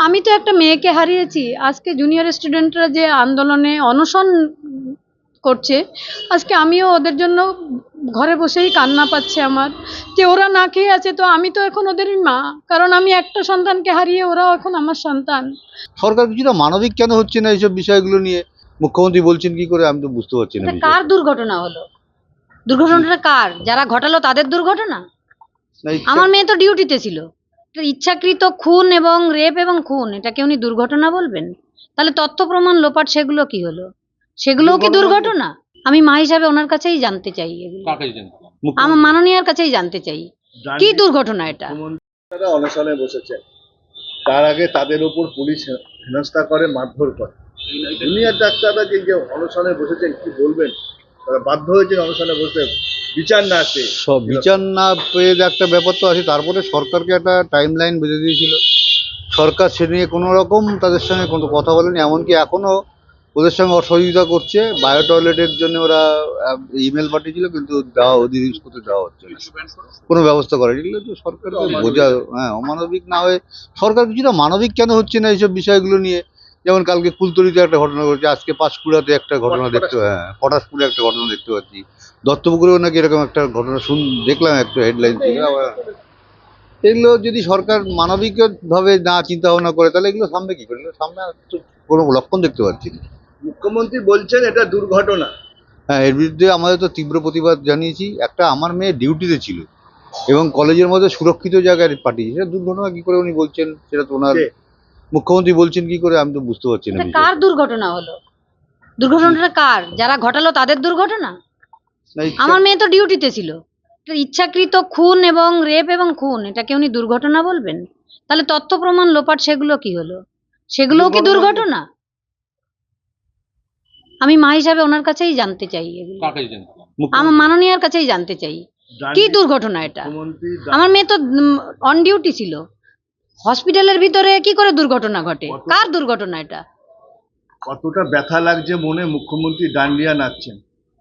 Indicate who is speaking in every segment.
Speaker 1: আমি তো একটা মেয়েকে হারিয়েছি। আজকে জুনিয়র স্টুডেন্টরা যে আন্দোলনে অনশন করছে, আজকে আমিও ওদের জন্য ঘরে বসেই কান্না পাচ্ছে আমার, যে ওরা না খেয়ে আছে। তো আমি তো এখন ওদেরই মা, কারণ আমি একটা সন্তানকে হারিয়ে ওরাও এখন আমার সন্তান।
Speaker 2: সরকার কিছুটা মানবিক কেন হচ্ছে না এইসব বিষয়গুলো নিয়ে? মুখ্যমন্ত্রী বলছেন কি করে, আমি তো বুঝতে পারছি না
Speaker 1: এটা
Speaker 2: বিষয়টা।
Speaker 1: কার দুর্ঘটনা হলো? দুর্ঘটনাটা কার? যারা ঘটালো তাদের দুর্ঘটনা?
Speaker 2: না,
Speaker 1: আমার মেয়ে তো ডিউটিতে ছিল। এটা ইচ্ছাকৃত খুন এবং রেপ এবং খুন, এটাকে উনি দুর্ঘটনা বলবেন? তাহলে তথ্য প্রমাণ লোপাট, সেগুলো কি হলো? সেগুলোও কি দুর্ঘটনা? আমি মা হিসাবে ওনার কাছেই জানতে চাই এগুলো, আমার মাননীয়ার কাছেই জানতে চাই কি দুর্ঘটনা এটা।
Speaker 3: তারা অনশনে বসেছেন, তার আগে তাদের উপর পুলিশ হেনস্থা করে, মারধর করে। জুনিয়র ডাক্তাররা যে অনশনে বসেছেন, কি বলবেন? তারা বাধ্য হয়েছেন অনশনে বসতে, বিচার না আসে।
Speaker 2: সব বিচার না পেয়ে একটা ব্যাপার তো আছে। তারপরে সরকারকে একটা টাইম লাইন বেঁধে দিয়েছিল, সরকার সে নিয়ে কোনো রকম তাদের সঙ্গে কোনো কথা বলেনি। এমনকি এখনও ওদের সঙ্গে অসহযোগিতা করছে। বায়ো টয়লেটের জন্য ওরা ইমেল পাঠিয়েছিল, কিন্তু দেওয়া ওদের ইউজ করতে দেওয়া হচ্ছে না, কোনো ব্যবস্থা করেনি। এগুলো তো সরকারকে বোঝা, অমানবিক না হয়ে সরকার কিছুটা মানবিক কেন হচ্ছে না এইসব বিষয়গুলো নিয়ে? যেমন কালকে কুলতলিতে একটা ঘটনা ঘটেছে, আজকে পাঁশকুড়াতে একটা ঘটনা দেখতে, পটাশপুরে একটা ঘটনা দেখতে পাচ্ছি, দত্তপুকুরেও নাকি এরকম একটা ঘটনা দেখলাম, একটা হেডলাইন ছিল। আবার এগুলো যদি সরকার মানবিকভাবে না চিন্তা ভাবনা করে, তাহলে এগুলো সামনে কি করে? এগুলো সামনে তো কোনো লক্ষণ দেখতে পাচ্ছি না।
Speaker 3: মুখ্যমন্ত্রী বলছেন এটা দুর্ঘটনা।
Speaker 2: হ্যাঁ, এর বিরুদ্ধে আমাদের তো তীব্র প্রতিবাদ জানিয়েছি। একটা আমার মেয়ে ডিউটিতে ছিল এবং কলেজের মধ্যে সুরক্ষিত জায়গায় পাঠিয়েছে, সেটা দুর্ঘটনা কি করে উনি বলছেন? সেটা তো ওনার মুখ্যমন্ত্রী বলছেন কি করে, আমি তো বুঝতে পারছি না
Speaker 1: এটা
Speaker 2: বিষয়টা।
Speaker 1: কার দুর্ঘটনা হলো? দুর্ঘটনাটা কার? যারা ঘটালো তাদের দুর্ঘটনা?
Speaker 2: না,
Speaker 1: আমার মেয়ে তো ডিউটিতে ছিল। এটা ইচ্ছাকৃত খুন এবং রেপ এবং খুন, এটাকে উনি দুর্ঘটনা বলবেন? তাহলে তথ্য প্রমাণ লোপাট, সেগুলো কি হলো? সেগুলোও কি দুর্ঘটনা? আমি মা হিসাবে ওনার কাছেই জানতে চাই এগুলো, আমার মাননীয়ার কাছেই জানতে চাই কি দুর্ঘটনা এটা। আমার মেয়ে তো অন ডিউটি ছিল, হসপিটালের ভিতরে কি করে দুর্ঘটনা ঘটে? কার দুর্ঘটনা এটা?
Speaker 3: কতটা ব্যথা লাগছে মনে, মুখ্যমন্ত্রী ডান্ডিয়া নাচছেন।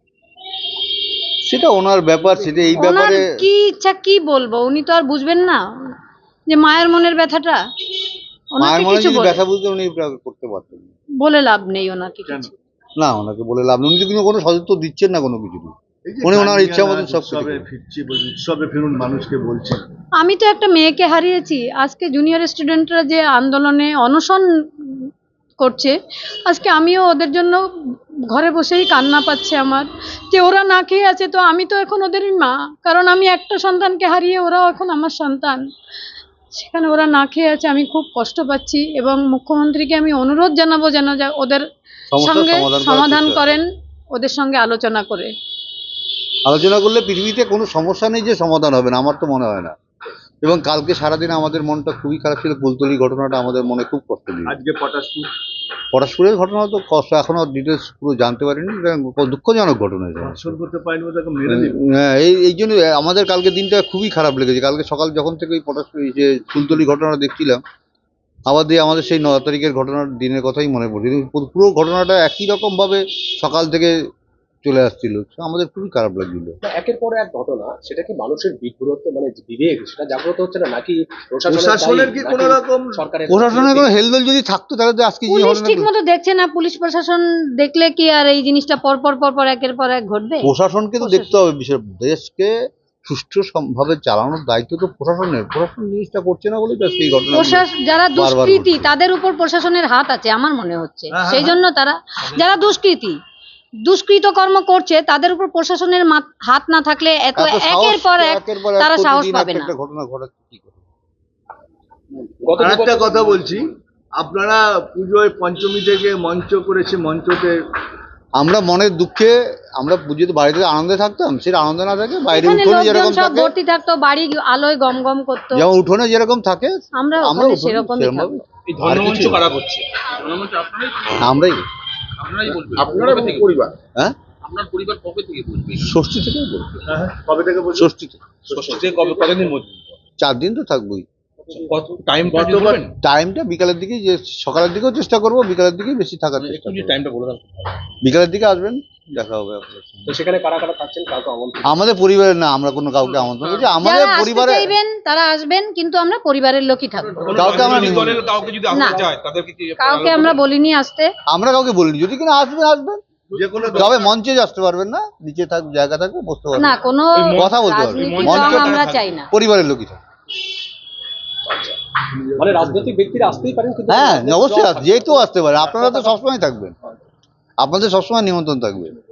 Speaker 2: সেটা ওনার ব্যাপার, সেটা এই
Speaker 1: ওনার
Speaker 2: ব্যাপারে
Speaker 1: কি ইচ্ছা, কি বলবো? উনি তো আর বুঝবেন না যে মায়ের মনের ব্যথাটা। ওনাকে
Speaker 2: মায়ের মনে
Speaker 1: কিছু
Speaker 2: যদি ব্যথা বুঝতে উনি এটা করতে পারতেন না।
Speaker 1: বলে লাভ নেই ওনাকে কিছু।
Speaker 2: না, ওনাকে বলে লাভ নেই, উনি তো কিন্তু কোনো সদুত্তর দিচ্ছেন না কোনো কিছু।
Speaker 3: এই যে
Speaker 2: উনি ওনার
Speaker 3: ডান্ডিয়া
Speaker 2: ইচ্ছা মতন
Speaker 3: নাচ,
Speaker 2: সব
Speaker 3: উৎসবে ফিরছি, উৎসবে ফিরুন মানুষকে বলছেন।
Speaker 1: আমি তো একটা মেয়েকে হারিয়েছি। আজকে জুনিয়র স্টুডেন্টরা যে আন্দোলনে অনশন করছে, আজকে আমিও ওদের জন্য ঘরে বসেই কান্না পাচ্ছে আমার, যে ওরা না খেয়ে আছে। তো আমি তো এখন ওদেরই মা, কারণ আমি একটা সন্তানকে হারিয়ে ওরাও এখন আমার সন্তান। সেখানে ওরা না খেয়ে আছে, আমি খুব কষ্ট পাচ্ছি। এবং মুখ্যমন্ত্রীকে আমি অনুরোধ জানাবো যেন ওদের সঙ্গে সমাধান করেন, ওদের সঙ্গে আলোচনা করে।
Speaker 2: আলোচনা করলে পৃথিবীতে কোনো সমস্যা নেই যে সমাধান হবে না, আমার তো মনে হয় না। এবং কালকে সারাদিন আমাদের মনটা খুবই খারাপ ছিল। কুলতলি ঘটনাটা আমাদের মনে খুব কষ্ট দিল।
Speaker 3: আজকে পটাশপুর,
Speaker 2: পরস্পরের ঘটনা তো কষ্ট, এখনো ডিটেলস পুরো জানতে পারিনি। এটা দুঃখজনক ঘটনা এটা।
Speaker 3: ধর্ষণ করতে পারেনি বলে তাকে মেরে দিল।
Speaker 2: হ্যাঁ, এই জন্য আমাদের কালকে দিনটা খুবই খারাপ লেগেছে। কালকে সকাল যখন থেকে ওই পটাশ যে কুলতলি ঘটনাটা দেখছিলাম, আবার দিয়ে আমাদের সেই 9 তারিখের ঘটনার দিনের কথাই মনে পড়ছে। কিন্তু পুরো ঘটনাটা একই রকম ভাবে সকাল থেকে চলে আসছিল, আমাদের খুবই খারাপ লাগছিল।
Speaker 4: একের পর এক ঘটনা, সেটা কি মানুষের বিব্রত মানে বিবেক সেটা জাগ্রত হচ্ছে না, নাকি
Speaker 3: প্রশাসনের কি কোনো রকম,
Speaker 4: সরকারের
Speaker 2: প্রশাসনের কোনো হেলদোল যদি থাকতো তাহলে তো আজকে যে
Speaker 1: পুলিশ
Speaker 2: ঘটনা,
Speaker 1: ঠিক মতো দেখছে না। পুলিশ প্রশাসন দেখলে কি আর এই জিনিসটা পর পর একের পর এক ঘটবে?
Speaker 2: প্রশাসনকে তো দেখতে হবে। বিষয় দেশকে সুষ্ঠু ভাবে চালানোর দায়িত্ব তো প্রশাসনের। প্রশাসন জিনিসটা করছে না বলেই তো সেই ঘটনা।
Speaker 1: যারা দুষ্কৃতী তাদের উপর প্রশাসনের হাত আছে আমার মনে হচ্ছে। সেই জন্য তারা, যারা দুষ্কৃত কর্ম করছে, তাদের উপর প্রশাসনের হাত না থাকলে এত একের পর এক তারা সাহস পাবে না।
Speaker 2: ঘটনা ঘটাচ্ছে কি করে?
Speaker 3: একটা কথা বলছি, আপনারা পুজোয় পঞ্চমী থেকে মঞ্চ করেছে, মঞ্চতে
Speaker 2: আমরা মনের দুঃখে আমরা পুজোতে বাড়িতে আনন্দে থাকতাম, সেটা আনন্দ না থাকে বাইরে
Speaker 1: এখানে
Speaker 2: উঠোনে
Speaker 1: লোকজন
Speaker 2: যেরকম
Speaker 1: সব
Speaker 2: থাকে,
Speaker 1: ভর্তি থাকতো, বাড়ি আলোয় গম গম করতো,
Speaker 2: যেমন উঠোনে যেরকম থাকে
Speaker 1: আমরা
Speaker 2: আমরা
Speaker 1: ওখানে সেরকমই থাকবো।
Speaker 4: এই ধর্মমঞ্চ কারা করছে?
Speaker 2: আমরাই।
Speaker 3: আপনারা পরিবার,
Speaker 2: হ্যাঁ,
Speaker 4: আপনার পরিবার কবে থেকে বলবে?
Speaker 2: ষষ্ঠী থেকেই বলবো।
Speaker 3: কবে থেকে বলছেন?
Speaker 2: ষষ্ঠী থেকে।
Speaker 4: ষষ্ঠী থেকে কবে, কতদিন মধ্যে?
Speaker 2: 4 দিন তো থাকবোই।
Speaker 5: টাইমটা
Speaker 3: গতবার
Speaker 2: টাইমটা বিকালের দিকেই, যে সকালের দিকেও চেষ্টা করবো, বিকালের দিকেই বেশি থাকার চেষ্টা করবো।
Speaker 5: টাইমটা বলে দেন।
Speaker 2: বিকালের দিকে আসবেন, দেখা হবে আপনার সঙ্গে।
Speaker 4: তো সেখানে কারা কারা থাকছেন, কাউকে আমন্ত্রণ?
Speaker 2: আমাদের পরিবারের না, আমরা কোনো কাউকে আমন্ত্রণ করছি, আমাদের
Speaker 1: যারা আসতে
Speaker 2: পরিবারে
Speaker 1: চাইবেন তারা আসবেন, কিন্তু আমরা পরিবারের লোকই থাকবো।
Speaker 2: কাউকে আমরা
Speaker 5: রাজনৈতিক দলের
Speaker 2: নিমন্ত্রণ-
Speaker 5: কাউকে যদি
Speaker 1: না।
Speaker 5: আসতে চায় তাদেরকে কি
Speaker 1: কাউকে আমরা বলিনি আসতে।
Speaker 2: আমরা কাউকে বলিনি, যদি কিনা আসবেন আসবেন,
Speaker 3: যে কোনো
Speaker 2: তবে মঞ্চে আসতে পারবেন না, নিচে থাক জায়গা থাকবে, বসতে পারবেন,
Speaker 1: না, কোনো
Speaker 2: কথা বলতে পারবেন,
Speaker 1: রাজনীতির
Speaker 2: মঞ্চে
Speaker 1: রং আমরা চাই না।
Speaker 2: পরিবারের লোকই থাকবে।
Speaker 4: মানে রাজনৈতিক ব্যক্তিরা আসতেই পারেন, কিন্তু
Speaker 2: হ্যাঁ অবশ্যই যেহেতু আসতে পারে, আপনারা তো সবসময় থাকবেন, আপনাদের সবসময় নিমন্ত্রণ থাকবে।